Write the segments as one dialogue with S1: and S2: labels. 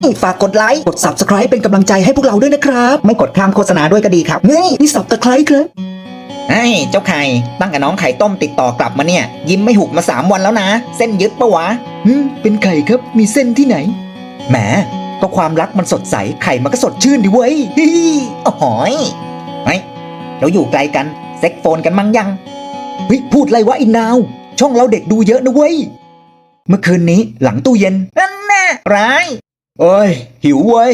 S1: ฝากกดไลค์กด Subscribe เป็นกำลังใจให้พวกเราด้วยนะครับไม่กดข้ามโฆษณาด้วยก็ดีครับนี่Subscribe ครับ
S2: ไอ้เจ้าไข่ตั้งกับน้องไข่ต้มติดต่อกลับมาเนี่ยยิ้มไม่หุบมา3 วันแล้วนะเส้นยึดปะวะ
S1: เป็นไข่ครับมีเส้นที่ไหนแหมก็ความรักมันสดใสไข่มันก็สดชื่นดิเว้ย
S2: โอ้โหยเฮ้ยเราอยู่ไกลกันเซ็กโฟนกันมั้งยัง
S1: เฮ้ยพูดอะไรวะอินนาวช่องเราเด็กดูเยอะนะเว้ยเมื่อคืนนี้หลังตู้เย็น
S2: นั่นแน่ร้าย
S1: โอ้ยหิวเว้ย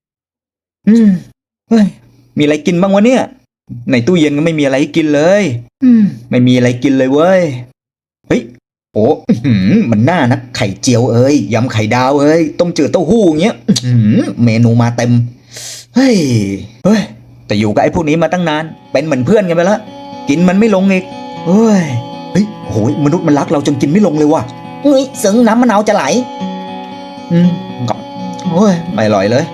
S1: เฮ้ยมีอะไรกินบ้างวะเนี่ยในตู้เย็นก็ไม่มีอะไรกินเลยไม่มีอะไรกินเลยเว้ยเฮ้ยโอ้มันน่านะไข่เจียวเอ้ยยำไข่ดาวเอ้ยต้มจืดเต้าหู้เงี้ยเมนูมาเต็มเฮ้ยแต่อยู่กับไอ้พวกนี้มาตั้งนานเป็นเหมือนเพื่อนกันไปละกินมันไม่ลงอีกเฮ้ยโหยมนุษย์มันรักเราจนกินไม่ลงเลยว่ะ
S2: เฮ้ยซึ้งน้ำมะนาวจะไหล
S1: โอ้ยไม่อร่อยเลย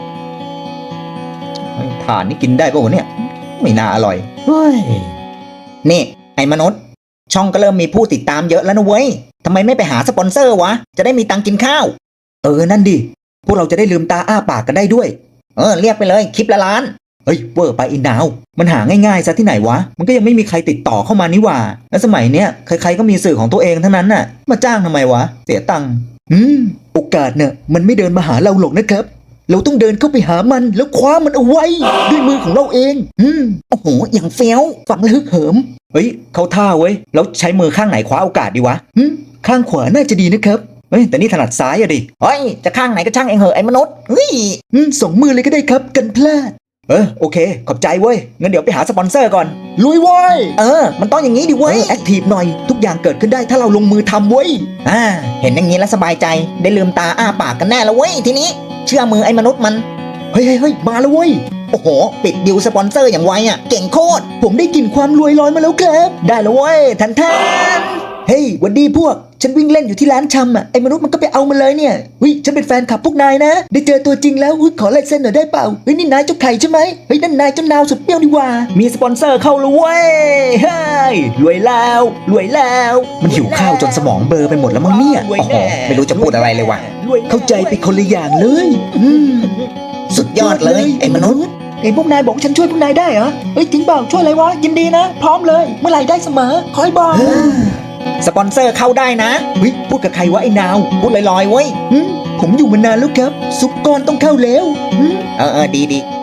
S1: ถ่านนี่กินได้ป่ะวะเนี่ยไม่น่าอร่อย
S2: นี่ไอ้มนุษย์ช่องก็เริ่มมีผู้ติดตามเยอะแล้วนะเว้ยทำไมไม่ไปหาสปอนเซอร์วะจะได้มีตังกินข้าว
S1: นั่นดิพวกเราจะได้ลืมตาอ้าปากกันได้ด้วย
S2: เรียกไปเลยคลิปละล้าน
S1: เฮ้ยเวอร์ไปอินดาวมันหาง่ายๆซะที่ไหนวะมันก็ยังไม่มีใครติดต่อเข้ามานี่หว่าแล้วสมัยเนี้ยใครๆก็มีสื่อของตัวเองทั้งนั้นน่ะมาจ้างทำไมวะเสียตังค์โอกาสเนี่ยมันไม่เดินมาหาเราหรอกนะครับเราต้องเดินเข้าไปหามันแล้วคว้ามันเอาไว้ด้วยมือของเราเอง
S2: โอ้โหอย่างเฟี้ยว
S1: ฟังแล้วฮึกเหิมเฮ้ยเขาท่าเว้ยแล้วใช้มือข้างไหนคว้าโอกาสดีวะข้างขวาน่าจะดีนะครับเฮ้ยแต่นี่ถนัดซ้ายอะดิ
S2: เฮ้ยจะข้างไหนก็ช่างเองเหอะไอ้มนุษย์เฮ้ย
S1: 2 มือเลยก็ได้ครับกันพลาดโอเคขอบใจเว้ยงั้นเดี๋ยวไปหาสปอนเซอร์ก่อนลุยเว้ย
S2: มันต้องอย่างนี้ดิเว้ย
S1: แอคทีฟหน่อยทุกอย่างเกิดขึ้นได้ถ้าเราลงมือทำเว้ย
S2: เห็นอย่างนี้แล้วสบายใจได้ลืมตาอ้าปากกันแน่แล้วเว้ยทีนี้เชื่อมือไอ้มนุษย์มัน
S1: เฮ้ยมาแล้วเว้ย
S2: โอ้โหปิดดิวสปอนเซอร์อย่างไวอ่ะเก่งโคตร
S1: ผมได้กลิ่นความรวยลอยมาแล้วครับ
S2: ได้แล้วเว้ยทัน
S1: เฮ้ยวันดีพวกฉันวิ่งเล่นอยู่ที่ร้านชำไอ้มนุษย์มันก็ไปเอามาเลยเนี่ยฉันเป็นแฟนคลับพวกนายนะได้เจอตัวจริงแล้วขอลายเซ็นหน่อยได้เปล่านี่นายเจ้าไข่ใช่ไหมนั่นนายเจ้านาวสุดเปรี้ยวดีว่า
S2: มีสปอนเซอร์เข้าแล้วเว้ย
S1: เฮ้ยรวยแล้วมันหิวข้าวจนสมองเบลอไปหมดแล้วมั้งเนี่ย
S2: โอ้โหไม่รู้จะพูดอะไรเลยว่ะ
S1: เข้าใจไปคนละอย่างเลย
S2: สุดยอดเลยไอ้มนุษย์
S1: พวกนายบอกฉันช่วยพวกนายได้เหรอจริงเปล่าช่วยอะไรวะยินดีนะพร้อมเลยเมื่อไหร่ได้เสมอคอยบอก
S2: สปอนเซอร์เข้าได้นะ
S1: พูดกับใครวะไอ้นาว
S2: พูดลอยๆเว้ย
S1: ผมอยู่มานานแล้วครับซุปก้อนต้องเข้าแล้ว
S2: ดี